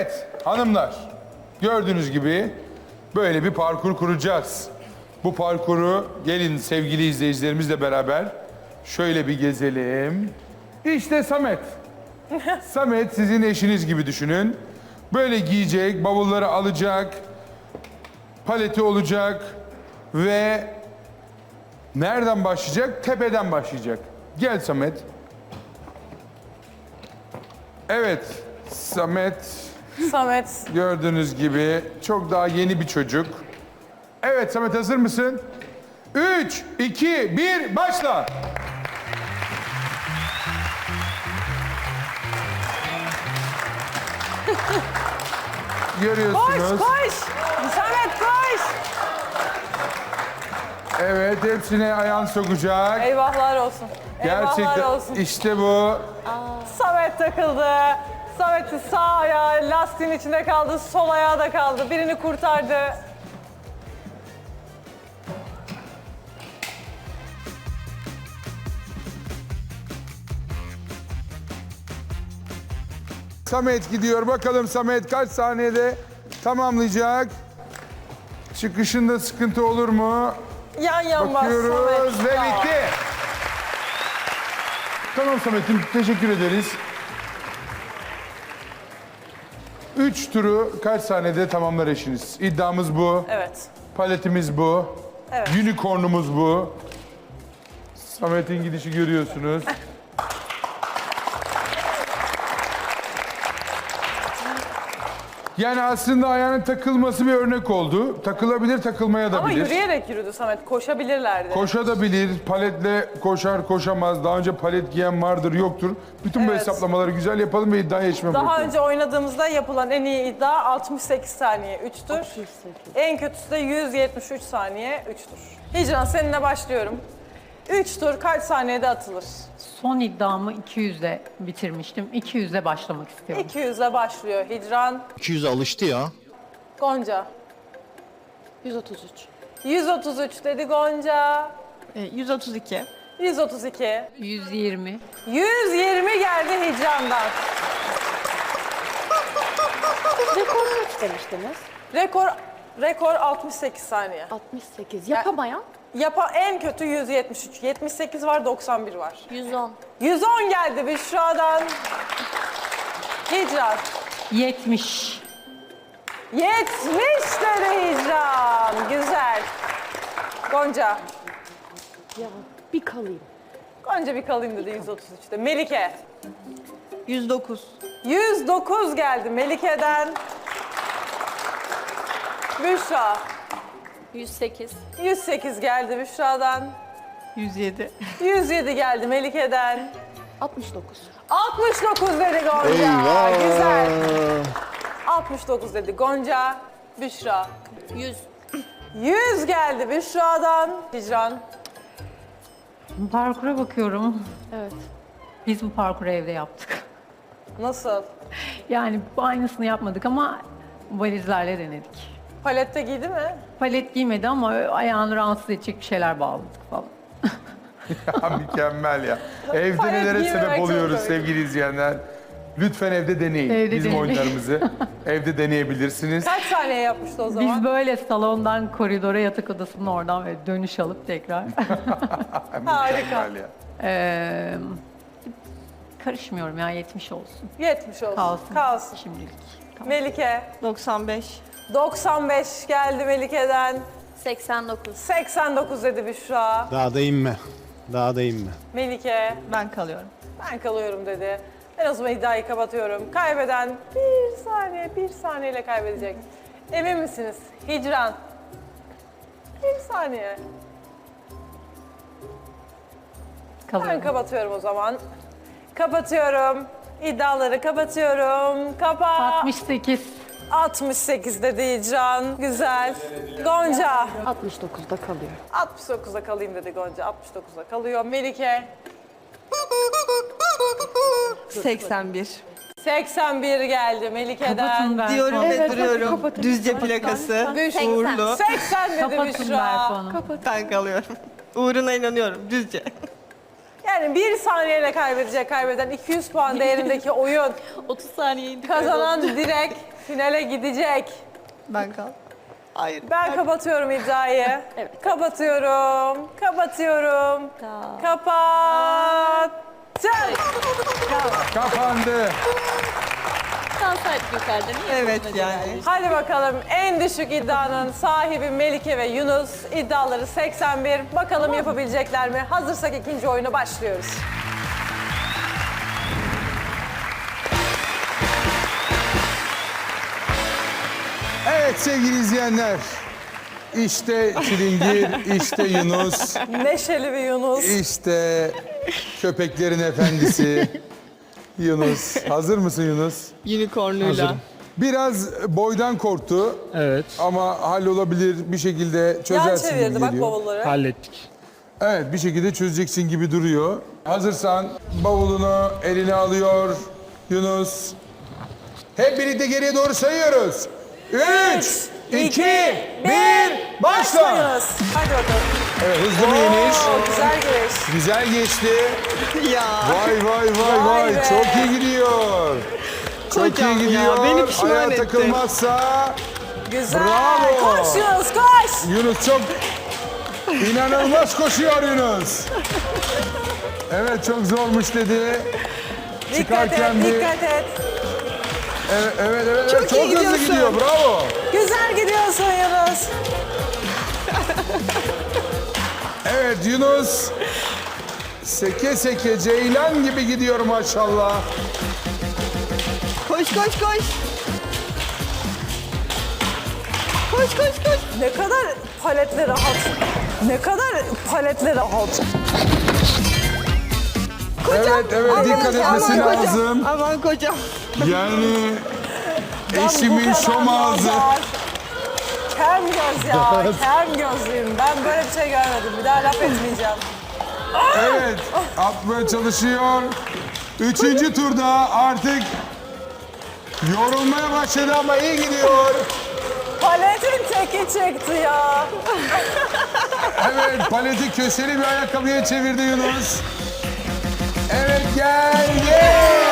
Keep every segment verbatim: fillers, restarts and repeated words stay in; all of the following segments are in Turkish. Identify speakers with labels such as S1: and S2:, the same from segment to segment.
S1: Evet hanımlar, gördüğünüz gibi böyle bir parkur kuracağız. Bu parkuru gelin sevgili izleyicilerimizle beraber şöyle bir gezelim. İşte Samet. Samet sizin eşiniz gibi düşünün. Böyle giyecek, bavulları alacak, paleti olacak ve nereden başlayacak? Tepeden başlayacak. Gel Samet. Evet, Samet
S2: Samet.
S1: gördüğünüz gibi çok daha yeni bir çocuk. Evet Samet hazır mısın? Üç, iki, bir, başla.
S2: Koş
S1: Görüyorsunuz.
S2: koş. Samet koş.
S1: Evet hepsine ayağını sokacak.
S2: Eyvahlar olsun. Eyvahlar
S1: Gerçekten
S2: olsun.
S1: işte bu.
S2: Samet takıldı. Samet'in sağ ayağı lastiğin içinde kaldı. Sol ayağı da kaldı. Birini kurtardı.
S1: Samet gidiyor. Bakalım Samet kaç saniyede tamamlayacak? Çıkışında sıkıntı olur mu?
S2: Yan yan bas
S1: Bakıyoruz
S2: Samet.
S1: ve
S2: Bravo.
S1: bitti. Tamam Samet'im teşekkür ederiz. Üç turu kaç saniyede tamamlar eşiniz? İddiamız bu.
S2: Evet.
S1: Paletimiz bu.
S2: Evet.
S1: Unicorn'umuz bu. Samet'in gidişi görüyorsunuz. Yani aslında ayağının takılması bir örnek oldu. Takılabilir, takılmaya da
S2: Ama
S1: bilir.
S2: yürüyerek yürüdü Samet. Koşabilirlerdi.
S1: Koşabilir, paletle koşar, koşamaz. Daha önce palet giyen vardır, yoktur. Bütün bu
S2: Evet.
S1: hesaplamaları güzel yapalım ve iddiaya geçme
S2: Daha
S1: bırakalım.
S2: önce oynadığımızda yapılan en iyi iddia altmış sekiz saniye üç tur. En kötüsü de yüz yetmiş üç saniye üç tur. Hicran seninle başlıyorum. üç tur kaç saniyede atılır?
S3: Son iddiamı iki yüzle bitirmiştim. iki yüzle başlamak istiyorum.
S2: iki yüzle başlıyor Hicran.
S4: iki yüze alıştı ya.
S2: Gonca.
S5: yüz otuz üç.
S2: yüz otuz üç dedi Gonca.
S5: E, yüz otuz iki.
S2: yüz otuz iki.
S3: yüz yirmi.
S2: yüz yirmi geldi Hicran'dan.
S5: Rekor kaç demiştiniz?
S2: Rekor rekor altmış sekiz saniye.
S5: altmış sekiz. Yapamayan?
S2: Yapa en kötü yüz yetmiş üç. yetmiş sekiz var, doksan bir var.
S5: yüz on.
S2: yüz on geldi Büşra'dan. Hicran.
S3: yetmiş.
S2: yetmiş dedi Hicran. Güzel. Gonca.
S5: Ya bir kalayım.
S2: Gonca bir kalayım dedi yüz otuz üçte. Melike.
S5: yüz dokuz.
S2: yüz dokuz geldi Melike'den. Büşra.
S5: yüz sekiz.
S2: yüz sekiz geldi Büşra'dan.
S3: yüz yedi.
S2: yüz yedi geldi Melike'den.
S5: altmış dokuz.
S2: altmış dokuz dedi Gonca.
S4: Eyvah.
S2: Güzel. altmış dokuz dedi Gonca. Büşra.
S5: yüz.
S2: yüz geldi Büşra'dan. Hicran.
S3: Parkura bakıyorum.
S5: Evet.
S3: Biz bu parkuru evde yaptık.
S2: Nasıl?
S3: Yani bu aynısını yapmadık ama valizlerle denedik.
S2: Palette giydi mi?
S3: Palet giymedi ama ayağını rahatsız edecek bir şeyler bağladık falan.
S1: Ya, mükemmel ya. Evde
S2: Palet
S1: nelere
S2: giymemek
S1: sebep
S2: çok
S1: oluyoruz
S2: komik.
S1: sevgili izleyenler. Lütfen evde deneyin.
S3: Evde
S1: Bizim
S3: deneyin.
S1: oyunlarımızı evde deneyebilirsiniz.
S2: Kaç saniye yapmıştı o zaman?
S3: Biz böyle salondan koridora, yatak odasının oradan ve dönüş alıp tekrar.
S2: Harika.
S1: Mükemmel ya.
S3: Ee, karışmıyorum ya, yetmiş olsun.
S2: yetmiş olsun.
S3: Kalsın.
S2: Kalsın.
S3: Şimdilik.
S2: Melike.
S5: doksan beş.
S2: doksan beş geldi Melike'den.
S5: seksen dokuz.
S2: seksen dokuz dedi Büşra.
S4: Daha da inme. Daha da inme.
S2: Melike.
S5: Ben kalıyorum.
S2: Ben kalıyorum dedi. Ben o zaman iddiayı kapatıyorum. Kaybeden bir saniye, bir saniyeyle kaybedecek. Emin misiniz? Hicran. Bir saniye. Ben
S3: Kalıyorum.
S2: kapatıyorum o zaman. Kapatıyorum. İddiaları kapatıyorum. Kapat.
S3: altmış sekiz.
S2: altmış sekiz dedi Hicran. Güzel. Gonca.
S5: altmış dokuzda kalıyor.
S2: altmış dokuzda kalayım dedi Gonca. altmış dokuzda kalıyor. Melike.
S6: seksen bir.
S2: seksen bir geldi Melike'den.
S3: Kapatın Berfu.
S6: Diyorum ve
S5: Evet, hadi
S6: duruyorum.
S5: kapatın.
S6: Düzce plakası.
S2: Büşra.
S6: Uğurlu.
S2: seksen dedi
S3: Kapatın
S2: Büşra.
S3: Berfu Hanım.
S6: Ben kalıyorum. Uğruna inanıyorum. Düzce.
S2: Yani bir saniyeyle kaybedecek kaybeden iki yüz puan değerindeki oyun.
S5: otuz saniye indik.
S2: Kazanan direkt finale gidecek.
S6: Ben kal. Hayır.
S2: Ben kapatıyorum iddiayı.
S5: Evet.
S2: Kapatıyorum. Kapatıyorum. Kapattım.
S1: Kapandı.
S5: Kalsaydık yukarıda niye?
S6: Evet
S5: buna
S6: yani.
S5: cevap
S2: Hadi bakalım en düşük iddianın sahibi Melike ve Yunus. İddiaları seksen bir. Bakalım yapabilecekler mi? Hazırsak ikinci oyuna başlıyoruz.
S1: Evet sevgili izleyenler. İşte Çilingir, işte Yunus,
S2: Neşeli bir Yunus.
S1: işte köpeklerin efendisi Yunus. Hazır mısın Yunus?
S6: Unicorn'uyla.
S4: Hazırım.
S1: Biraz boydan korktu
S4: Evet,
S1: ama hallolabilir bir şekilde
S2: Yan
S1: çözersin gibi
S2: çevirdi bak
S1: geliyor.
S2: bavulları.
S4: hallettik.
S1: Evet bir şekilde çözeceksin gibi duruyor. Hazırsan bavulunu eline alıyor Yunus. Hep birlikte geriye doğru sayıyoruz. Üç, iki, bir, başla.
S2: Yunus. Hadi bakalım.
S1: Evet hızlı bir iniş.
S2: Oo, güzel giriş.
S1: Güzel geçti.
S6: Ya.
S1: Vay vay vay
S2: Vay
S1: vay.
S2: be.
S1: Çok iyi gidiyor. Çok
S6: Kocam
S1: iyi
S6: ya,
S1: gidiyor.
S6: beni pişman
S1: Ayağa
S6: etti.
S1: takılmazsa
S2: Güzel.
S1: Bravo.
S2: Koş Yunus koş.
S1: Yunus çok inanılmaz koşuyor Yunus. Evet çok zormuş dedi.
S2: Dikkat
S1: Çıkarken
S2: et,
S1: bir-
S2: dikkat et.
S1: Evet evet evet.
S6: Çok
S1: evet.
S6: iyi
S1: hızlı
S6: gidiyorsun.
S1: gidiyor. Bravo.
S2: Güzel gidiyorsun Yunus.
S1: Evet Yunus seke seke ceylan gibi gidiyor maşallah.
S6: Koş koş koş. Koş koş koş.
S2: Ne kadar paletle rahat. Ne kadar paletle rahat.
S1: Evet evet
S6: Aman,
S1: dikkat etmesi
S6: aman kocam,
S1: lazım.
S6: Aman kocam.
S1: Yani
S2: Ben bu
S1: eşimin
S2: kadar
S1: şom ağzı.
S2: nazar. Kem göz ya, kem gözlüyüm. Ben böyle bir şey görmedim. Bir daha laf etmeyeceğim.
S1: Evet atmaya çalışıyor. Üçüncü turda artık yorulmaya başladı ama iyi gidiyor.
S2: Paletin teki çıktı ya.
S1: Evet paleti köşeli bir ayakkabıya çevirdi Yunus. Evet geldi.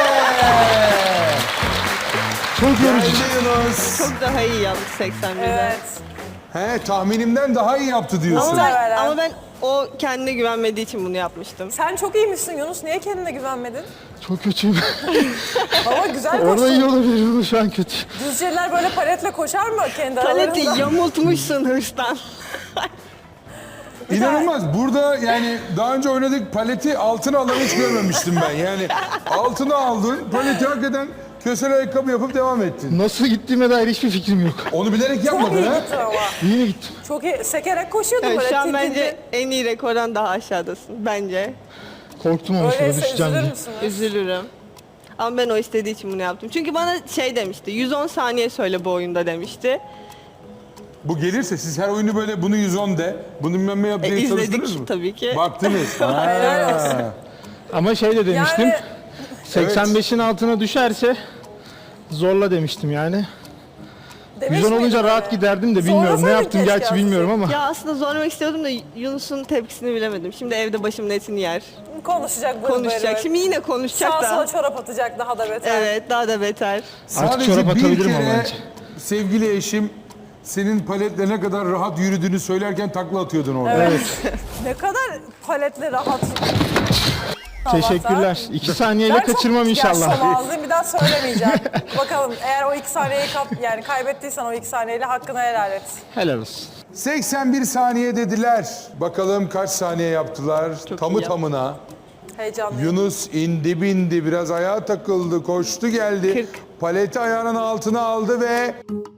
S4: Çok yorucu.
S1: Geldi Yunus.
S6: Çok daha iyi yalnız seksen birde.
S2: Evet.
S1: He tahminimden daha iyi yaptı diyorsun.
S6: Ama ben,
S2: Muhtemelen.
S6: ama ben o kendine güvenmediği için bunu yapmıştım.
S2: Sen çok iyiymişsin Yunus. Niye kendine güvenmedin?
S4: Çok kötüyüm.
S2: Ama güzel
S4: Orada iyi
S2: koştun.
S4: olabilir, burada şu an kötü.
S2: Düzceler böyle paletle koşar mı kendi
S6: Paleti
S2: aralarında?
S6: yamultmuşsun hırstan.
S1: İnanılmaz. Burada yani daha önce oynadık paleti altına alan hiç görmemiştim ben. Yani altına aldın, paleti hakikaten kösel ayakkabı yapıp devam ettin.
S4: Nasıl gittiğime dair hiçbir fikrim yok.
S1: Onu bilerek
S2: Çok
S1: yapmadın
S2: iyi
S1: ha?
S2: gittin ama.
S4: İyi mi gittim?
S2: Çok iyi. Sekerek koşuyordun
S6: Evet,
S2: böyle.
S6: şu an
S2: tit
S6: bence
S2: tit.
S6: en iyi rekordan daha aşağıdasın. Bence.
S4: Korktum ama sonra
S2: Öyleyse
S4: düşeceğim
S2: üzülür
S4: diye.
S2: müsünüz?
S6: Üzülürüm. Ama ben o istediği için bunu yaptım. Çünkü bana şey demişti, yüz on saniye söyle bu oyunda demişti.
S1: Bu gelirse siz her oyunu böyle bunu yüz on de, bunu bilmem ne yap diye
S6: E, izledik
S1: çalıştınız mı?
S6: tabii ki.
S1: Baktınız.
S2: Helal olsun.
S1: Ha.
S4: Ama şey de demiştim,
S2: Yani
S4: seksen beşin altına düşerse zorla demiştim yani.
S2: demiş
S4: yüz on olunca
S2: miydin
S4: rahat
S2: öyle?
S4: giderdim de bilmiyorum. Ne
S2: Zorlasaydın
S4: yaptım
S2: keşke
S4: gerçi bilmiyorum ama.
S6: Ya aslında zorlamak istiyordum da Yunus'un tepkisini bilemedim. Şimdi evde başımın etini yer.
S2: Konuşacak böyle
S6: Konuşacak.
S2: böyle.
S6: Şimdi yine konuşacak
S2: Sağa sola
S6: da.
S2: çorap atacak daha da beter.
S6: Evet, daha da beter.
S4: Artık
S1: Sadece
S4: çorap
S1: bir
S4: atabilirim ama
S1: kere
S4: bence.
S1: sevgili eşim senin paletle ne kadar rahat yürüdüğünü söylerken takla atıyordun orada.
S2: Evet. Ne kadar paletle rahat.
S4: Teşekkürler. İki saniyeyle
S2: Ben çok
S4: kaçırmam inşallah.
S2: yaşlı ağzıyım, bir daha söylemeyeceğim. Bakalım eğer o iki saniyeyi kap, yani kaybettiysen o iki saniyeyle hakkını helal et.
S4: Helal olsun.
S1: seksen bir saniye dediler. Bakalım kaç saniye yaptılar
S6: Çok
S1: tamı
S6: iyi yaptı.
S1: tamına.
S2: Heyecanlıyım.
S1: Yunus indi bindi biraz ayağa takıldı koştu geldi.
S6: kırk.
S1: Paleti ayağının altına aldı ve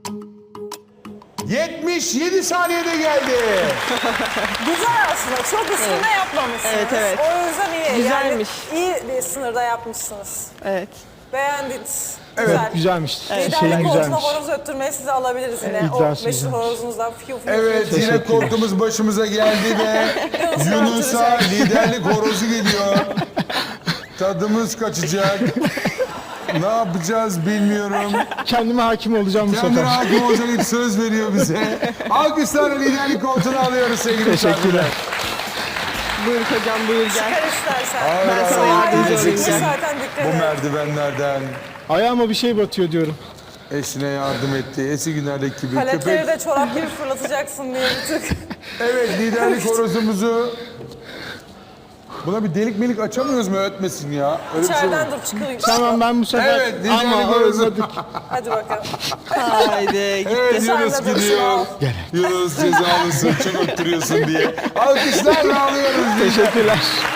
S1: yetmiş yedi saniyede geldi.
S2: Güzel aslında. Çok üstünde yapmamışsınız.
S6: Evet, evet.
S2: O yüzden iyi.
S6: Güzelmiş.
S2: Yani iyi bir sınırda yapmışsınız.
S6: Evet.
S2: Beğendiniz.
S1: Evet,
S2: Güzel.
S4: Güzelmiş.
S2: Liderlik
S4: Şeyin
S2: konusunda
S4: güzelmiş.
S2: horoz öttürmeyi size alabiliriz yine.
S4: Evet,
S2: o
S4: iddiası
S2: meşhur
S4: güzelmiş.
S2: horozunuzdan fiyo fiyo.
S1: Evet yine
S4: Teşekkürler.
S1: korkumuz başımıza geldi ve Yunus'a liderlik horozu geliyor. Tadımız kaçacak. Ne yapacağız bilmiyorum.
S4: Kendime hakim olacağım bu
S1: Kendine
S4: sefer.
S1: hakim olacak ilk söz veriyor bize. Alkışlarla liderlik koltuğunu alıyoruz sevgili
S4: Teşekkürler.
S1: misafirler.
S6: Buyur kocam, buyur gel.
S2: Çıkar istersen.
S1: Hayır,
S6: Ben
S1: hayır,
S6: sana
S1: hayır,
S6: yardımcı
S2: Ayağın
S6: olayım.
S2: çıktı
S1: gideceksin
S2: zaten dikkat
S1: bu
S2: et.
S1: merdivenlerden.
S4: Ayağıma bir şey batıyor diyorum.
S1: Eşine yardım etti. Eski günlerdeki gibi.
S2: Paletleri
S1: Köpek.
S2: de çorap gibi fırlatacaksın diye bir tık.
S1: Evet, liderlik horozumuzu. Buna bir delik melik açamıyoruz mu ötmesin ya? Öyle bir şey
S2: İçeriden
S1: olur.
S2: dur çıkıyor.
S4: Tamam ben bu sefer
S1: Evet, liderlik
S4: ama
S1: horozu.
S4: özledik.
S2: Hadi bakalım.
S6: Haydi gitti.
S1: Evet,
S2: Sen
S1: Yunus
S2: de dur,
S1: gidiyor. Yunus cezalısın, çok öttürüyorsun diye. Alkışlarla alıyoruz.
S4: Teşekkürler.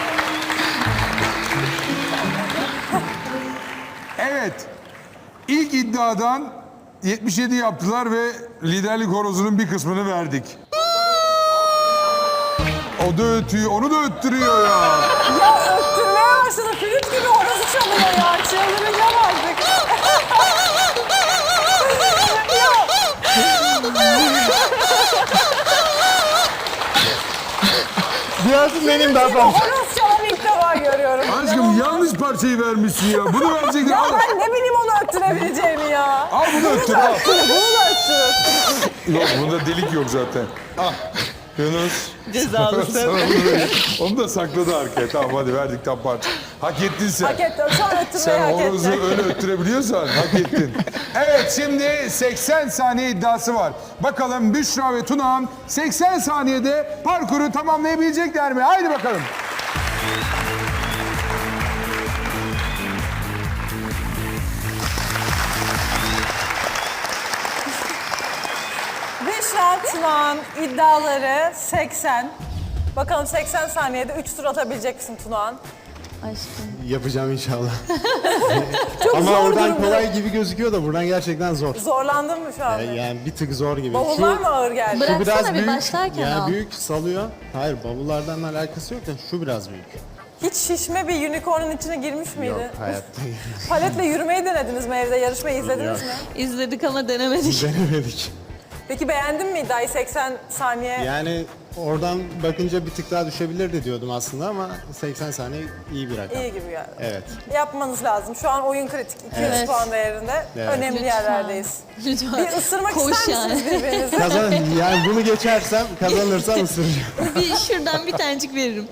S1: Evet. İlk iddiadan yetmiş yedi yaptılar ve liderlik horozunun bir kısmını verdik. O da ötüyor, onu da öttürüyor ya.
S2: Ya öttürmeye başladı. Flüt gibi horozu çalıyor ya. Çıldıracağım artık.
S4: Biraz benim daha fazla.
S2: Horoz çalan ilk defa görüyorum.
S1: Aşkım yanlış parçayı vermişsin ya. Bunu verecektin.
S2: Ya
S1: Al,
S2: ben ne bileyim onu öttürebileceğimi ya.
S1: al bunu öttür. Al.
S2: Bunu da öttürür.
S1: Yok, bunda delik yok zaten. Al. Yunus.
S6: Cezalısın.
S1: Sana bunu vereyim. Onu da sakladı arkaya. Tamam hadi verdik tam parça. Hak ettin sen.
S2: Hak ettim. Şu an öttürmeyi
S1: Sen
S2: hak
S1: horozu
S2: ettim.
S1: öyle öttürebiliyorsan hak ettin. Evet, şimdi seksen saniye iddiası var. Bakalım Büşra ve Tunağan seksen saniyede parkuru tamamlayabilecekler mi? Haydi bakalım.
S2: Büşra Tunağan iddiaları seksen. Bakalım seksen saniyede üç tur atabilecek misin Tunağan?
S5: Aşkım.
S7: Yapacağım inşallah.
S2: Çok
S7: Ama
S2: zor
S7: oradan
S2: durumda.
S7: kolay gibi gözüküyor da buradan gerçekten zor.
S2: Zorlandın mı şu anda?
S7: Yani bir tık zor gibi.
S2: Bavullar mı ağır geldi?
S5: Bırak-
S7: şu biraz
S5: Bıraksana bir
S7: büyük.
S5: başlarken
S7: yani
S5: al.
S7: büyük salıyor. Hayır bavullardan alakası yok da şu biraz büyük.
S2: Hiç şişme bir unicorn'un içine girmiş miydi?
S7: Yok hayatta
S2: Paletle yürümeyi denediniz mi evde? Yarışmayı izlediniz mi?
S5: İzledik ama denemedik.
S7: denemedik.
S2: Peki beğendin mi iddiayı seksen saniye?
S7: Yani oradan bakınca bir tık daha düşebilirdi diyordum aslında ama seksen saniye iyi bir rakam.
S2: İyi gibi geldi.
S7: Evet.
S2: Yapmanız lazım. Şu an oyun kritik. iki yüz
S5: Evet.
S2: puan değerinde.
S7: Evet.
S2: Önemli
S5: Lütfen.
S2: yerlerdeyiz.
S5: Lütfen.
S2: Bir ısırmak
S5: Koş
S2: ister
S5: yani.
S2: misiniz birbirinizi?
S7: Kazan yani bunu geçersem kazanırsam ısıracağım.
S5: Bir şuradan bir tanecik veririm.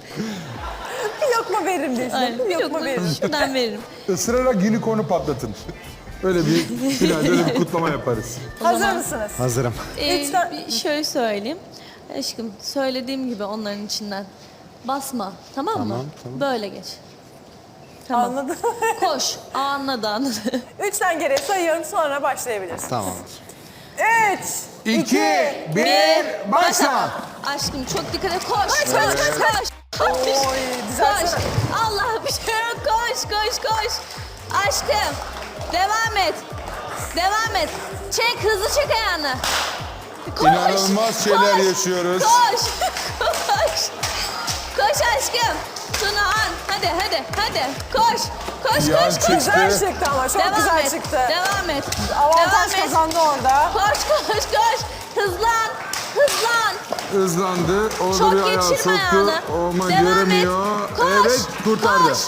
S2: Bir lokma veririm diye.
S5: Aynen.
S2: Bir
S5: Bir
S2: lokma
S5: lokma
S2: veririm.
S5: şuradan veririm.
S1: Isırarak unicorn'u patlatın. Öyle bir final, öyle bir kutlama yaparız.
S2: Hazır
S5: zaman-
S2: mısınız?
S7: Hazırım.
S5: Ee,
S2: Üç tane-
S5: bir şöyle söyleyeyim. Aşkım söylediğim gibi onların içinden. Basma tamam, mı?
S7: Tamam, tamam.
S5: Böyle geç. Tamam.
S2: Anladım.
S5: Koş. Aa, anladı anladı.
S2: Üçten geriye sayıyorum, sonra başlayabiliriz.
S7: Tamamdır.
S2: Üç,
S1: İki, bir, başla.
S5: Aşkım çok dikkat et. Koş. Koş
S2: koş,
S5: koş koş. Koş.
S2: Oy, düzeltsene.
S5: Koş. Allah bir şey yok. Koş koş koş. Aşkım. Devam et. Devam et. Çek hızlı çek ayağını. Koş.
S1: İnanılmaz şeyler
S5: koş,
S1: yaşıyoruz.
S5: Koş. Koş. Koş aşkım. Tunağan. Hadi hadi hadi. Koş. Koş
S1: Yan
S5: koş koş.
S1: çek.
S2: Güzel çıktı ama, çok
S5: Devam
S2: güzel
S5: et.
S2: çıktı.
S5: Devam et.
S2: Avantaj
S5: Devam et.
S2: kazandı orada.
S5: Koş koş koş. Hızlan. Hızlan.
S1: Hızlandı. Orada
S5: Çok
S1: bir ayağı
S5: geçirme
S1: soktu.
S5: ayağını.
S1: Ama
S5: Devam
S1: göremiyor.
S5: et. Koş.
S1: Evet, kurtardı.
S5: Koş.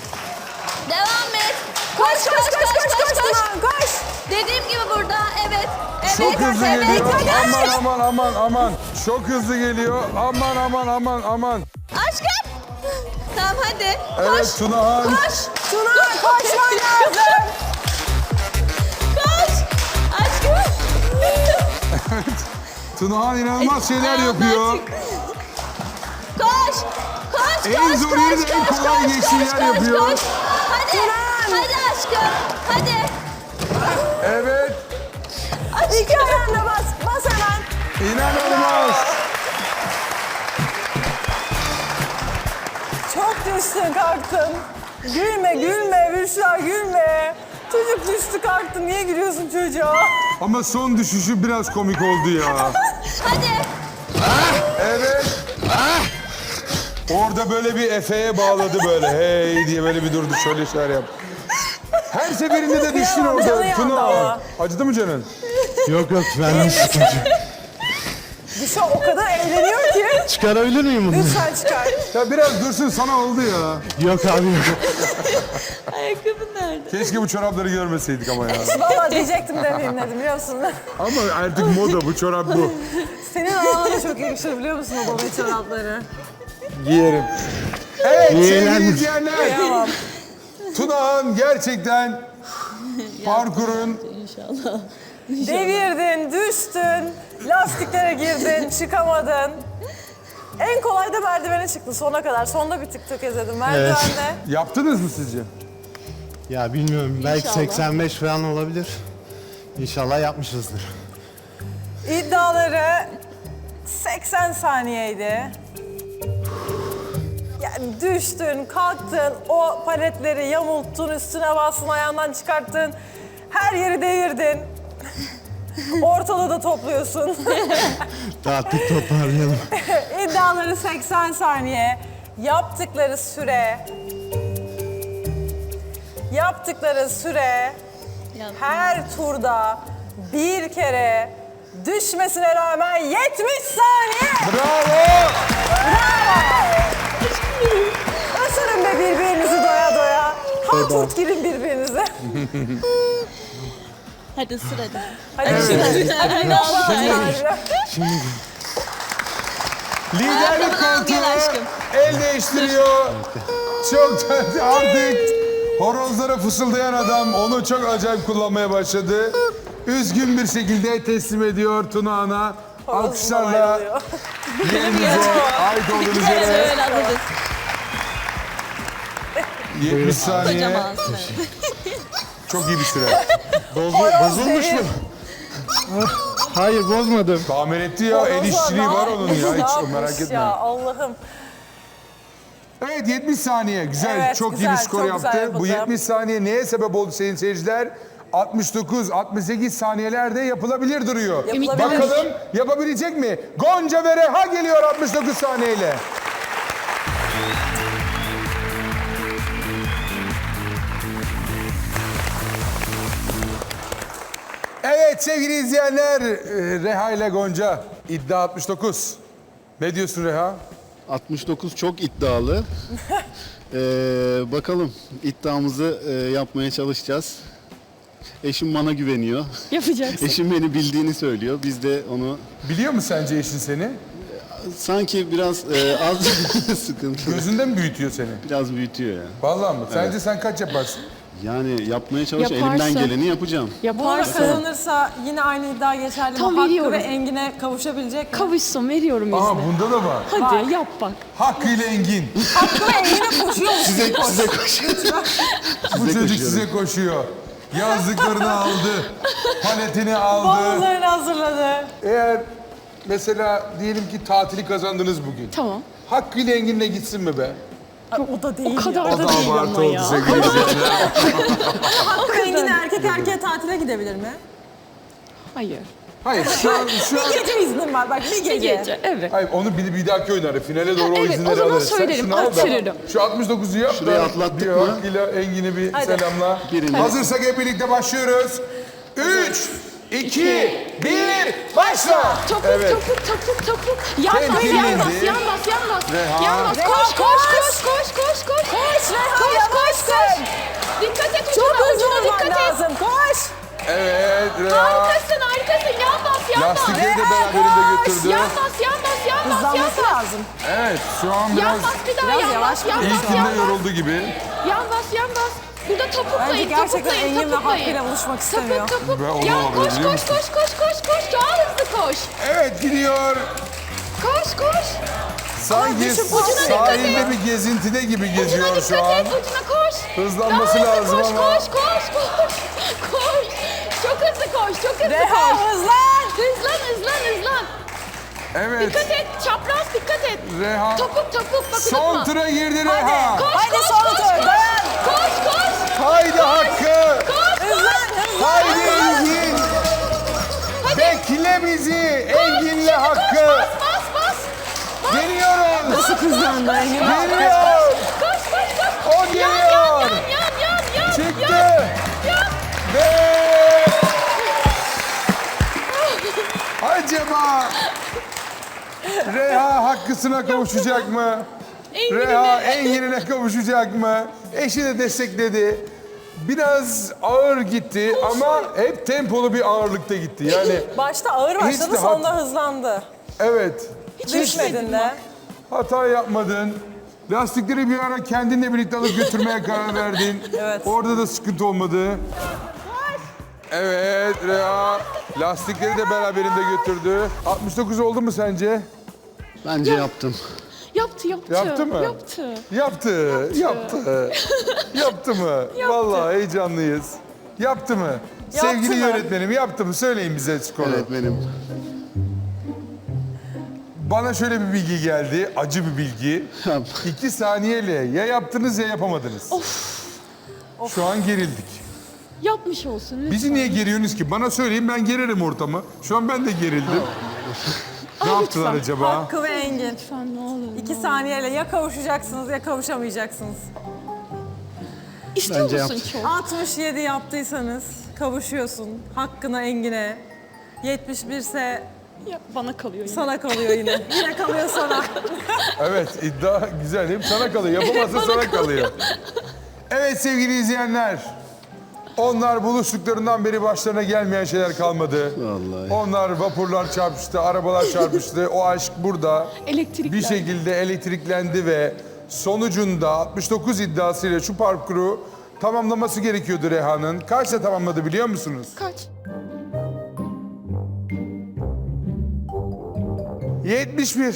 S5: Devam et. Koş koş koş koş koş. koş,
S2: Tunağan, koş.
S5: Dediğim gibi burada. Evet. Evet.
S1: Çok hızlı
S5: evet.
S1: geliyor.
S5: Hadi
S1: Aman
S5: aşkım.
S1: aman aman aman. Çok hızlı geliyor. Aman aman aman aman.
S5: Aşkım. Tamam hadi.
S1: Evet,
S5: Koş.
S1: Tunağan.
S5: Koş.
S2: Tunağan, koşman lazım.
S5: Koş. Aşkım.
S1: Tunağan inanılmaz şeyler
S5: Ayağımdan
S1: yapıyor.
S5: çık. Koş. Koş
S1: En
S5: koş
S1: zor
S5: koş
S1: yeri de en
S5: koş,
S1: kolay
S5: koş,
S1: geçtiği
S5: koş,
S1: yer
S5: koş,
S1: yapıyor.
S5: koş. Hadi. Hadi aşkım. Hadi.
S1: Evet.
S2: İki ayağına bas. Bas hemen.
S1: İnanılmaz.
S2: Çok düştün, kalktın. Gülme, gülme Büşra, gülme. Çocuk düştü, kalktı. Niye gülüyorsun çocuğa?
S1: Ama son düşüşü biraz komik oldu ya.
S5: Hadi.
S1: Evet. Orada böyle bir Efe'ye bağladı böyle. Hey diye böyle bir durdu. Şöyle şeyler yap. Her seferinde de düştün
S2: Kıyamam, canı
S1: orada.
S2: yandı
S1: Tuna.
S2: ama.
S1: Acıdı mı canın?
S7: Yok yok ben sıkıntı.
S2: Büşra o kadar eğleniyor ki.
S7: Çıkarabilir miyim bunu?
S2: Lütfen çıkar.
S1: Ya biraz dursun, sana oldu ya.
S7: Yok abi yok.
S5: Ayakkabın nerede?
S1: Keşke bu çorapları görmeseydik ama ya.
S2: Valla diyecektim demeyeyim dedim, biliyor musun?
S1: Ama artık moda bu çorap bu.
S2: Senin ağına da çok yakışır, biliyor musun o baba çorapları?
S1: Giyerim. Evet sevgili
S7: Giyilen-
S1: izleyenler.
S2: Kıyamam.
S1: Tunağan gerçekten parkurun
S5: İnşallah.
S2: Devirdin, düştün, lastiklere girdin, çıkamadın. En kolay da merdivene çıktı sona kadar. Sonda bir tık tökezledim merdivende.
S1: Yaptınız mı sizce?
S7: Ya bilmiyorum, belki
S5: İnşallah.
S7: seksen beş falan olabilir. İnşallah yapmışızdır.
S2: İddiaları seksen saniyeydi. Yani düştün, kalktın, o paletleri yamulttun, üstüne bastın, ayağından çıkarttın. Her yeri devirdin. Ortalığı da topluyorsun.
S7: Dağıttık, toparlayalım.
S2: İddiaları seksen saniye. Yaptıkları süre... Yaptıkları süre... Her turda bir kere düşmesine rağmen yetmiş saniye.
S1: Bravo!
S2: Isırın be birbirinizi doya doya. Halturt girin birbirinize.
S5: Hadi ısır hadi.
S2: Hadi şimdi. Hadi
S1: Liderlik
S5: Arkadan al, gel
S1: koltuğu
S5: aşkım.
S1: el değiştiriyor. Çok da- artık horozlara fısıldayan adam onu çok acayip kullanmaya başladı. Üzgün bir şekilde teslim ediyor Tuna Ana. Alkışlarla yerinize ait olduğunuz
S5: Evet
S1: yere
S5: öyle alırız.
S1: yetmiş saniye.
S5: Kocaman.
S1: Çok iyi bir süre.
S7: Bozu- bozulmuş mu?
S4: Hayır bozmadım.
S1: Tahmin etti ya. El işçiliği var onun ya. Hiç merak etme.
S2: Ya Allah'ım.
S1: Evet yetmiş saniye. Güzel.
S2: Evet,
S1: çok iyi
S2: güzel,
S1: bir skor
S2: çok
S1: yaptı.
S2: güzel
S1: Bu
S2: yapıldı.
S1: yetmiş saniye neye sebep oldu sayın seyirciler? altmış dokuz altmış sekiz saniyelerde yapılabilir duruyor.
S2: Yapılabilir.
S1: Bakalım yapabilecek mi? Gonca ve Reha geliyor altmış dokuz saniyeyle. Evet sevgili izleyenler, e, Reha ile Gonca iddia altmış dokuz. Ne diyorsun Reha?
S8: altmış dokuz çok iddialı. Ee, bakalım iddiamızı e, yapmaya çalışacağız. Eşim bana güveniyor.
S5: Yapacaksın.
S8: Eşim beni bildiğini söylüyor. Biz de onu
S1: Biliyor mu sence eşin seni?
S8: sanki biraz e, az sıkıntı.
S1: Gözünde mi büyütüyor seni?
S8: Biraz büyütüyor ya.
S1: Vallahi mı? Sence sen kaç yaparsın?
S8: Yani yapmaya çalış,
S9: Yaparsa-
S8: elimden geleni yapacağım.
S2: Bu arada
S9: Yaparsa
S2: kazanırsa yine aynı iddia geçerli mi?
S9: Tam
S2: Hakkı
S9: veriyorum.
S2: ve Engin'e kavuşabilecek mi?
S9: kavuşsun, veriyorum
S1: Aha
S9: izni.
S1: bunda da var.
S9: Hadi yap bak.
S1: Hakkı ile Engin.
S2: Hakkı ve Engin'e koşuyor musun?
S8: Size, size koşuyorum.
S1: Bu çocuk
S8: koşuyorum.
S1: size koşuyor. Yazdıklarını aldı. Paletini aldı.
S2: Bavullarını hazırladı.
S1: Eğer mesela diyelim ki tatili kazandınız bugün.
S9: Tamam.
S1: Hakkı ile Engin'le gitsin mi be?
S2: Ay, o da değil
S9: O kadar
S2: ya.
S9: da değil ama ya.
S1: sevgili izleyiciler.
S2: Hakkı ve Engin erkek erkeğe tatile gidebilir mi?
S9: Hayır.
S1: Hayır şu an, şu an...
S2: Bir gece iznim var bak bir
S9: Bir
S2: gece.
S9: gece, evet.
S1: Hayır onu bir, bir dahaki oynarı. Finale doğru o
S9: Evet, o
S1: izinleri
S9: zaman
S1: alırız. Sen
S9: söylerim,
S1: şunu al da
S9: arttırırım.
S1: Şu altmış dokuzu yap.
S8: Şurayı
S1: da
S8: atlattık
S1: bir
S8: mı?
S1: Hakkı'yla Engin'i bir
S2: Hadi.
S1: selamla.
S8: Birini.
S1: Hazırsak hep birlikte başlıyoruz. Üç, iki, bir, başla.
S9: Topuk,
S1: Evet.
S9: topuk, topuk, topuk. Yan bas,
S1: Temkinli
S9: yan bas,
S1: indi.
S9: yan bas, yan bas.
S1: Reha.
S9: Yan bas,
S2: Reha,
S9: koş,
S2: koş.
S9: koş, koş, koş, koş, koş.
S2: Koş Reha
S9: Koş, koş,
S2: yavaşsın.
S9: koş. Dikkat et
S2: Çok
S9: ucuna,
S2: hızlı
S9: ucuna
S2: olman
S9: dikkat et.
S2: lazım. Koş.
S1: Evet, Reha.
S9: Harikasın, harikasın. Yan bas, yan bas.
S1: Lastikleri de
S2: Reha,
S1: beraberinde
S2: koş.
S1: götürdü.
S9: Yan bas, yan bas, yan bas, yan
S2: Hızlanması
S9: bas.
S2: lazım.
S1: Evet, şu an
S9: Yan
S1: biraz
S9: bas bir daha,
S2: biraz
S9: yan
S2: yavaş
S9: bas, yan
S1: ilk
S9: bas, yan
S1: günde
S9: bas.
S1: yoruldu gibi.
S9: Yan bas, yan bas. Burada
S2: Bence
S9: topuklayın,
S2: gerçekten
S9: topuklayın,
S2: Engin ve
S9: topuklayın.
S2: Hakkı'yla buluşmak istemiyor.
S9: Topuk, topuk.
S1: Ve onu
S9: Ya
S1: alıyor,
S9: koş,
S1: biliyor
S9: koş,
S1: musun?
S9: koş, koş, koş, koş. Daha hızlı koş.
S1: Evet, gidiyor.
S9: Koş, koş.
S1: Sanki
S9: düşün, ucuna dikkat
S1: sahilde
S9: et.
S1: bir gezintide gibi
S9: Ucuna
S1: geziyor
S9: dikkat
S1: şu an.
S9: et, ucuna koş.
S1: Hızlanması
S9: Daha hızlı
S1: lazım
S9: koş,
S1: ama.
S9: Koş, koş, koş, koş. Çok hızlı koş, çok hızlı
S2: Reha
S9: koş.
S2: hızlan.
S9: Hızlan, hızlan, hızlan.
S1: Evet,
S9: Dikkat et, çapraz dikkat et.
S1: Reha.
S9: Topuk, topuk, bak
S1: Son
S9: unutma.
S1: tura girdi Reha.
S9: Koş,
S2: Haydi
S9: koş,
S2: son
S9: koş,
S2: tur,
S9: koş.
S2: dayan.
S9: Koş, koş,
S1: Haydi Hakkı.
S9: koş, koş.
S2: Hızlan hızlan.
S1: Haydi Engin. Bekle bizi Engin'le Hakkı.
S9: Bas, bas, bas.
S1: Geliyoruz.
S2: Nasıl hızlandı Engin?
S1: Geliyor.
S9: Koş, koş, koş.
S1: O geliyor.
S9: Yan, yan, yan, yan.
S1: Çıktı.
S9: Yan.
S1: Ve acaba Reha hakkısına kavuşacak mı? Reha Engin'ine kavuşacak mı? Eşi de destekledi. Biraz ağır gitti ama hep tempolu bir ağırlıkta gitti. Yani
S2: Başta ağır
S1: Hiç
S2: başladı
S1: de
S2: sonunda
S1: hat-
S2: hızlandı.
S1: evet,
S2: Düşmedin de.
S1: hata yapmadın. Lastikleri bir ara kendinle birlikte alıp götürmeye karar verdin.
S2: Evet.
S1: Orada da sıkıntı olmadı. Evet Reha lastikleri de beraberinde götürdü. altmış dokuz oldu mu sence?
S8: Bence yaptım.
S9: Yaptı yaptı.
S1: Yaptı mı?
S9: Yaptı.
S1: Yaptı, yaptı. Yaptı mı? Vallahi heyecanlıyız. Yaptı mı?
S2: Yaptı
S1: Sevgili
S2: mı?
S1: yönetmenim yaptı mı? Söyleyin bize skoru.
S8: Evet benim.
S1: Bana şöyle bir bilgi geldi, acı bir bilgi.
S8: Yap.
S1: İki saniyeyle ya yaptınız ya yapamadınız. Of. Şu an gerildik.
S9: Yapmış olsun lütfen.
S1: Bizi niye geriyorsunuz ki? Bana söyleyin ben gererim ortamı. Şu an ben de gerildim. Ne yaptılar acaba?
S2: Hakkı ve Engin.
S9: Lütfen ne olur.
S2: İki saniyeyle ya kavuşacaksınız ya kavuşamayacaksınız.
S9: İstiyor
S8: Bence
S9: musun
S8: yaptı.
S9: çok?
S2: altmış yedi yaptıysanız kavuşuyorsun Hakkı'na Engin'e. yetmiş bir ise
S9: Ya, bana kalıyor yine.
S2: sana kalıyor yine. Yine kalıyor sana.
S1: Evet iddia güzel. Hem sana kalıyor. Yapamazsa sana kalıyor. Evet sevgili izleyenler. Onlar buluştuklarından beri başlarına gelmeyen şeyler kalmadı.
S8: Vallahi.
S1: Onlar vapurlar çarpıştı, arabalar çarpıştı. O aşk burada
S9: Elektrikler.
S1: bir şekilde elektriklendi ve sonucunda altmış dokuz iddiasıyla şu parkuru tamamlaması gerekiyordu Reha'nın. Kaçta tamamladı biliyor musunuz?
S9: Kaç?
S1: yetmiş bir.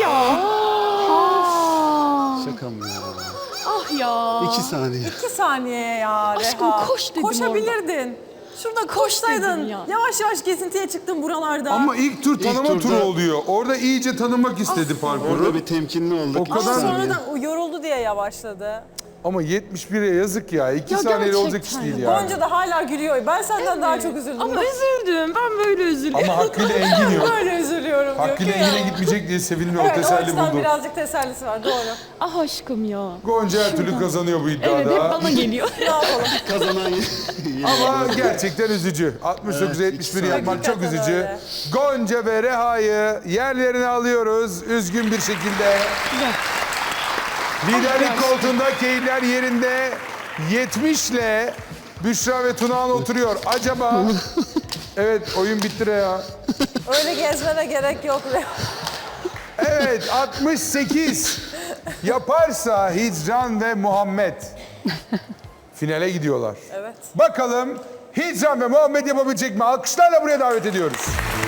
S8: Şaka mı ya?
S9: Ah ya.
S8: İki saniye.
S2: İki saniye ya Reha.
S9: Aşkım koş dedim
S2: Koşabilirdin. Şurada koşsaydın.
S9: dedim ya.
S2: Yavaş yavaş gezintiye çıktın buralarda.
S1: Ama ilk tur tanıma
S8: turda-
S1: turu oluyor. Orada iyice tanımak istedi parkuru.
S8: Orada bir temkinli olduk.
S1: O
S8: İki
S1: kadar-
S2: Ama
S8: saniye.
S2: sonra da o yoruldu diye yavaşladı.
S1: Ama yetmiş bire yazık ya. İki
S9: Ya
S1: saniyeyle olacak iş
S9: gerçekten.
S1: değil yani.
S2: Gonca da hala gülüyor. Ben senden daha çok üzüldüm.
S9: Ama üzüldüm. Ben böyle üzülüyorum.
S1: Ama Hakkı ile Engin yok.
S2: Böyle üzülüyorum diyor.
S1: Hakkı ile
S2: Kıyamam.
S1: Engin'e gitmeyecek diye sevinmiyor. O
S2: Evet, o
S1: teselli
S2: açıdan
S1: buldu.
S2: birazcık tesellisi var. Doğru.
S9: Ah aşkım ya.
S1: Gonca her türlü kazanıyor bu iddiada.
S9: Evet hep bana geliyor.
S2: Ne yapalım?
S8: Kazanan
S1: Ama gerçekten üzücü. altmış dokuz yetmiş bir yapmak çok
S2: Hakikaten
S1: üzücü.
S2: öyle.
S1: Gonca ve Reha'yı yerlerine alıyoruz üzgün bir şekilde. Liderlik koltuğunda keyifler yerinde. yetmişle Büşra ve Tunağan oturuyor. Acaba... Evet oyun bitti Reha.
S2: Öyle gezmene gerek yok.
S1: Evet altmış sekiz yaparsa Hicran ve Muhammed finale gidiyorlar.
S2: Evet.
S1: Bakalım Hicran ve Muhammed yapabilecek mi? Alkışlarla buraya davet ediyoruz.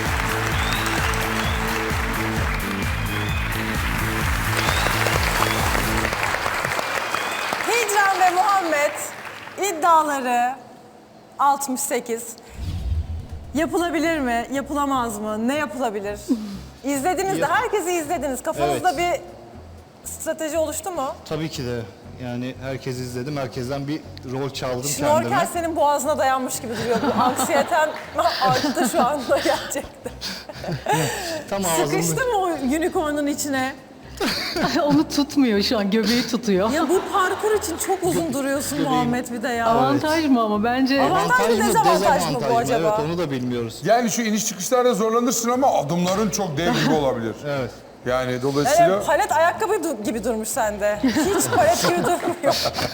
S2: Hicran ve Muhammed iddiaları altmış sekiz. Yapılabilir mi? Yapılamaz mı? Ne yapılabilir? İzlediniz de, herkesi izlediniz. Kafanızda bir strateji oluştu mu?
S10: Tabii ki de. Yani herkes izledim. Herkesten bir rol çaldım
S2: Şnorkel
S10: kendime.
S2: senin boğazına dayanmış gibi duruyor. Bu anksiyeten arttı şu anda gerçekten.
S10: Tam ağzımda.
S2: Sıkıştı mı o unicorn'un içine?
S3: Onu tutmuyor şu an, göbeği tutuyor.
S2: Ya bu parkur için çok uzun duruyorsun Muhammed bir de ya.
S3: Avantaj mı ama bence?
S2: Avantaj mı, dezavantaj mı bu
S10: dezavantaj
S2: acaba?
S10: Evet onu da bilmiyoruz.
S1: Yani şu iniş çıkışlarda zorlanırsın ama adımların çok dev gibi olabilir.
S10: Evet.
S1: Yani dolayısıyla...
S2: Evet, palet ayakkabı du- gibi durmuş sende. Hiç palet gibi durmuyor.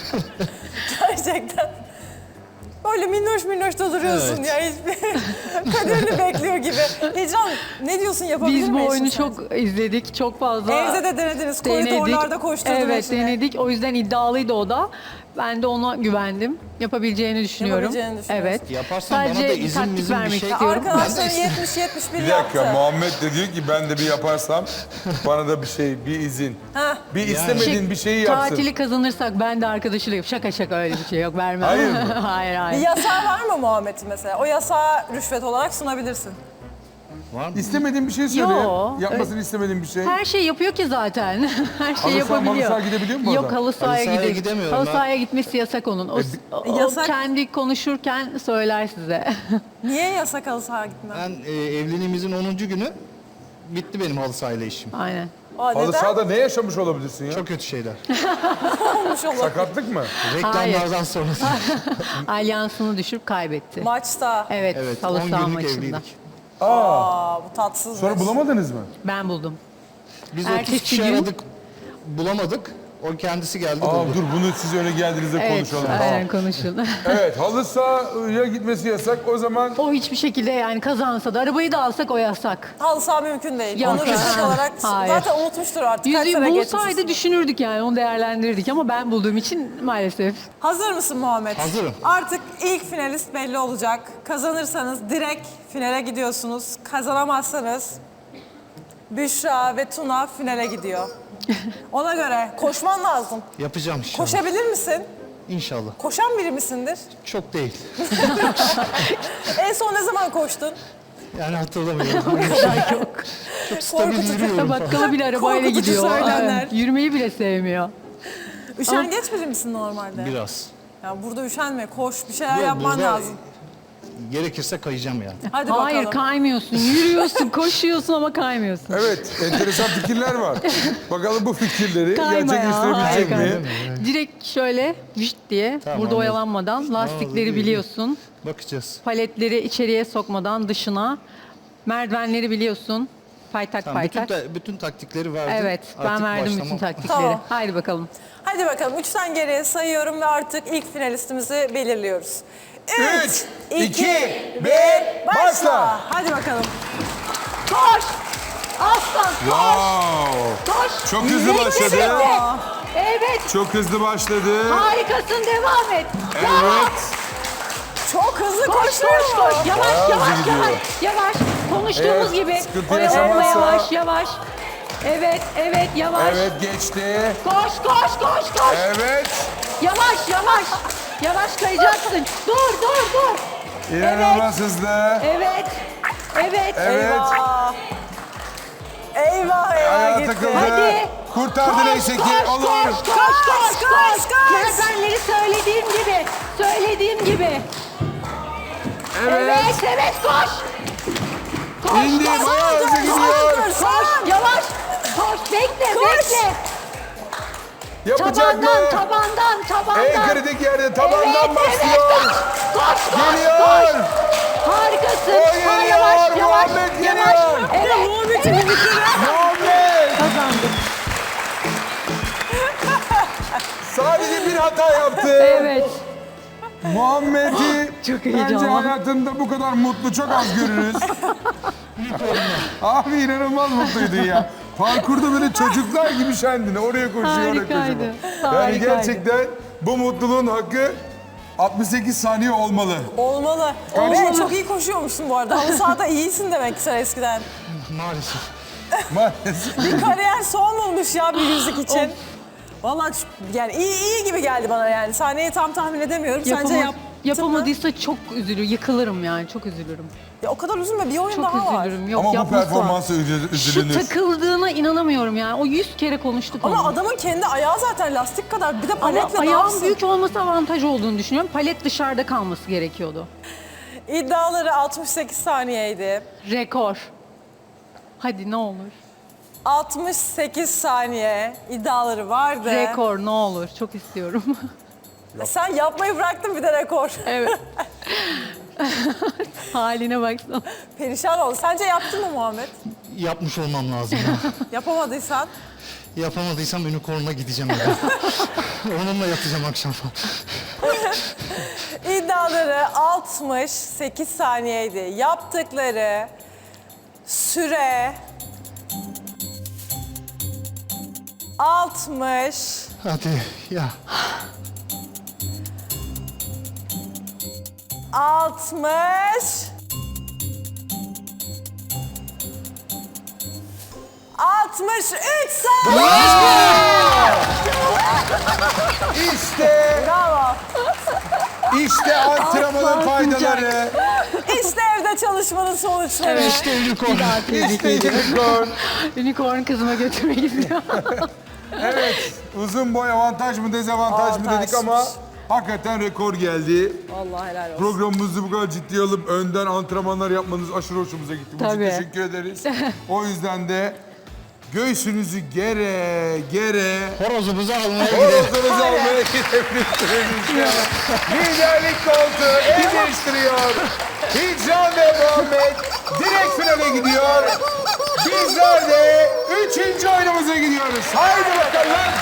S2: Gerçekten. Böyle minnoş minnoş da duruyorsun
S10: Evet.
S2: ya. Hiçbir kaderini bekliyor gibi. Hicran ne diyorsun, yapabilir
S3: Biz
S2: mi
S3: bu
S2: eşin
S3: oyunu
S2: sence?
S3: çok izledik, çok fazla
S2: Evde de denediniz,
S3: denedik.
S2: koridorlarda koşturdun
S3: Evet
S2: eşini.
S3: denedik, o yüzden iddialıydı o da. Ben de ona güvendim. Yapabileceğini düşünüyorum.
S2: Yapabileceğini düşünüyorsun.
S3: Evet.
S10: Yaparsan bana
S3: Sadece
S10: da izin
S3: taktik
S10: mizin bir
S3: vermek
S10: şey-
S3: istiyorum.
S2: Arkadaşların yetmiş yetmiş bir
S1: Bir
S2: yaptı.
S1: dakika Muhammed de diyor ki ben de bir yaparsam bana da bir şey, bir izin.
S2: Heh.
S1: Bir istemediğin bir şeyi yapsın.
S3: Tatili kazanırsak ben de arkadaşıyla yap. Şaka şaka öyle bir şey yok, vermem.
S1: Hayır mı?
S3: hayır
S2: Bir
S3: hayır.
S2: yasağı var mı Muhammed'in mesela? O yasağı rüşvet olarak sunabilirsin.
S10: Var mı?
S1: İstemediğin bir şey söyle.
S3: Yo.
S1: Yapmasını istemediğin bir şey.
S3: Her şey yapıyor ki zaten. Her
S1: saha,
S3: şey yapabiliyor.
S1: malı saha gidebiliyor mu
S3: Yok
S1: oradan?
S3: halı sahaya,
S10: sahaya
S3: gidiyor.
S10: gidemiyorum
S3: Halı
S10: ben.
S3: sahaya gitmesi yasak onun. O, o
S2: Yasak.
S3: kendi konuşurken söyler size.
S2: Niye yasak halı sahaya gitmem?
S10: Ben e, evliliğimizin onuncu günü bitti benim halı sahayla işim.
S3: Aynen.
S2: Aa,
S1: Halı
S2: neden?
S1: sahada ne yaşamış olabilirsin ya?
S10: Çok kötü şeyler.
S2: olmuş olur.
S1: Sakatlık mı?
S10: Reklamlardan sonra.
S3: Alyansını düşürüp kaybetti.
S2: Maçta.
S3: Evet,
S10: Evet
S3: halı
S10: on
S3: saha
S10: günlük
S3: maçında.
S10: evliydik.
S2: Aa, bu tatsız.
S1: Sonra bulamadınız mı?
S3: Ben buldum.
S10: Biz
S3: Ertesi
S10: otuz kişi
S3: gün-
S10: aradık. Bulamadık. O kendisi geldi
S1: Aa
S10: buldu.
S1: dur bunu siz öyle geldiğinizde
S3: Evet,
S1: konuşalım.
S3: aynen
S1: Tamam.
S3: konuşun.
S1: Evet halı sahaya gitmesi yasak o zaman
S3: O hiçbir şekilde yani kazansa da arabayı da alsak o yasak.
S2: Halı saha mümkün değil.
S3: Yok.
S2: Onu rüşvet olarak
S3: Hayır.
S2: zaten unutmuştur artık. Kaç
S3: Yüzüğü
S2: sene
S3: bulsaydı
S2: geçmiş.
S3: düşünürdük yani, onu değerlendirirdik ama ben bulduğum için maalesef.
S2: Hazır mısın Muhammed?
S10: Hazırım.
S2: Artık ilk finalist belli olacak. Kazanırsanız direkt finale gidiyorsunuz. Kazanamazsanız Büşra ve Tuna finale gidiyor. Ona göre koşman lazım.
S10: Yapacağım inşallah.
S2: Koşabilir misin?
S10: İnşallah.
S2: Koşan biri misindir?
S10: Çok değil.
S2: En son ne zaman koştun?
S10: Yani hatırlamıyorum. Çok stabil
S2: Korkutucu.
S10: yürüyorum.
S3: Bakkala bile arabayla
S2: Korkutucu
S3: gidiyor.
S2: söylemler.
S3: Evet, yürümeyi bile sevmiyor.
S2: Üşengeç biri misin normalde?
S10: Biraz.
S2: Ya burada üşenme, koş, bir şeyler
S10: Yok,
S2: yapman
S10: burada
S2: lazım.
S10: Gerekirse kayacağım yani.
S2: Hadi
S3: Hayır
S2: bakalım.
S3: kaymıyorsun. Yürüyorsun, koşuyorsun ama kaymıyorsun.
S1: Evet, enteresan fikirler var. Bakalım bu fikirleri
S3: Kayma ya,
S1: gerçekleştirebilecek
S3: hayır,
S1: mi?
S3: Direkt şöyle vişt diye
S10: Tamam,
S3: burada
S10: anladım.
S3: oyalanmadan lastikleri
S10: Anladım.
S3: biliyorsun.
S10: Bakacağız.
S3: Paletleri içeriye sokmadan dışına. Merdivenleri biliyorsun. Paytak
S10: Tamam, bütün,
S3: paytak.
S10: ta- bütün taktikleri verdim.
S3: Evet ben
S10: Artık
S3: verdim bütün
S10: başlamam.
S3: taktikleri.
S2: Tamam.
S3: Haydi bakalım.
S2: Hadi bakalım, üçten geriye sayıyorum ve artık ilk finalistimizi belirliyoruz.
S1: Üç, iki, bir, başla.
S2: Hadi bakalım.
S3: Koş! Aslan
S1: Wow.
S3: koş!
S1: Çok hızlı
S3: Yürek
S1: başladı.
S3: birlikte. Evet
S1: Çok hızlı başladı.
S3: harikasın devam et.
S1: Evet.
S2: Çok hızlı
S3: Koş
S2: koşuyor.
S3: koş koş yavaş
S1: Bayağı
S3: yavaş
S1: hızlı gidiyor.
S3: yavaş yavaş konuştuğumuz
S1: Evet,
S3: gibi
S1: sıkıntı
S3: oyalanma
S1: yaşamazsa-
S3: yavaş yavaş. Evet evet yavaş.
S1: Evet, geçti.
S3: Koş koş koş koş.
S1: Evet.
S3: Yavaş yavaş. Yavaş kayacaksın. Dur dur dur.
S1: İnanılmaz hızlı.
S3: Evet. Evet.
S1: Evet.
S2: Eyvah. Eyvah eyvah
S1: Ayağa
S2: gitti.
S1: takıldı.
S3: Hadi.
S1: Kurtardı neyse ki.
S3: koş,
S1: Olur.
S3: koş, koş, koş,
S2: koş,
S3: koş.
S2: koş.
S3: Merdivenleri söylediğim gibi, söylediğim gibi.
S1: Evet.
S3: Evet, evet, koş. Koş,
S1: İndi.
S3: koş,
S1: Bayağı hızlı
S3: koş,
S1: gidiyor.
S3: koş, yavaş. Koş, bekle, bekle.
S1: Yapacak mı?
S3: Tabandan, tabandan, tabandan.
S1: En kritik yerde tabandan
S3: Evet,
S1: başlıyor.
S3: evet, koş, koş, koş,
S1: Geliyor.
S3: koş. Harikasın.
S1: O
S3: Ha,
S1: geliyor,
S3: yavaş, yavaş,
S1: Muhammed
S3: yavaş.
S1: geliyor.
S3: Evet,
S2: Muhammed'in
S3: evet.
S1: Muhammed.
S3: Kazandık.
S1: Sadece bir hata yaptı.
S3: Evet.
S1: Muhammed'i
S3: Çok
S1: bence
S3: heyecanlı.
S1: hayatında bu kadar mutlu çok az görürüz. Abi inanılmaz mutluydun ya. Parkurda böyle çocuklar gibi şendin. Oraya koşuyor, oraya
S3: Harikaydı,
S1: koşuyor. Yani
S3: harikaydı.
S1: gerçekten bu mutluluğun hakkı altmış sekiz saniye olmalı.
S2: Olmalı. Ve çok iyi koşuyormuşsun bu arada. Halı sahada iyisin demek ki sen eskiden.
S10: Maalesef.
S1: Maalesef.
S2: Bir kariyer son bulmuş ya bir yüzük için. Vallahi ç- yani iyi iyi gibi geldi bana yani. Sahneyi tam tahmin edemiyorum. Sence
S3: Yapama-
S2: yaptın mı?
S3: yapamadıysa çok üzülür, yıkılırım yani çok üzülürüm.
S2: Ya o kadar üzülme, bir oyun
S3: Çok
S2: daha var.
S3: üzülürüm. Yok
S1: Ama bu
S3: yapması lazım.
S1: performansa üzü-
S3: Şu
S1: üzülünür.
S3: takıldığına inanamıyorum yani. O yüz kere konuştuk
S2: Ama
S3: onu.
S2: adamın kendi ayağı zaten lastik kadar. Bir de
S3: Ama
S2: paletle ne
S3: ayağın
S2: yapsın?
S3: büyük olması avantaj olduğunu düşünüyorum. Palet dışarıda kalması gerekiyordu.
S2: İddiaları altmış sekiz saniyeydi.
S3: Rekor. Hadi ne olur.
S2: altmış sekiz saniye iddiaları vardı.
S3: Rekor ne olur. Çok istiyorum.
S2: Sen yapmayı bıraktın bir de rekor.
S3: evet. Haline baksana.
S2: Perişan oldu. Sence yaptın mı Muhammed?
S10: Yapmış olmam lazım ya.
S2: Yapamadıysan
S10: Yapamadıysam unicorn'a gideceğim eve. Onunla yatacağım akşam falan.
S2: iddiaları altmış sekiz saniyeydi. Yaptıkları süre altmış
S10: Hadi ya.
S2: altmış altmış üç saniye.
S1: İşte,
S2: Bravo.
S1: işte antrenmanın faydaları.
S2: İşte evde çalışmanın sonuçları.
S10: İşte unicorn.
S1: İşte unicorn.
S3: Unicorn kızıma götürmek istiyor.
S1: Evet, uzun boy avantaj mı dezavantaj mı dedik ama hakikaten rekor geldi.
S2: Vallahi helal olsun.
S1: Programımızı bu kadar ciddiye alıp önden antrenmanlar yapmanız aşırı hoşumuza gitti. Bunun için
S3: Tabii.
S1: teşekkür ederiz. O yüzden de göğsünüzü gere gere
S10: Horozumuzu almaya gidelim.
S1: horozunuzu almaya gidebilirsiniz. Liderlik koltuğu el değiştiriyor. Hicran ve Muhammed direkt finale gidiyor. Bizler de üçüncü oyunumuza gidiyoruz. Haydi bakalım.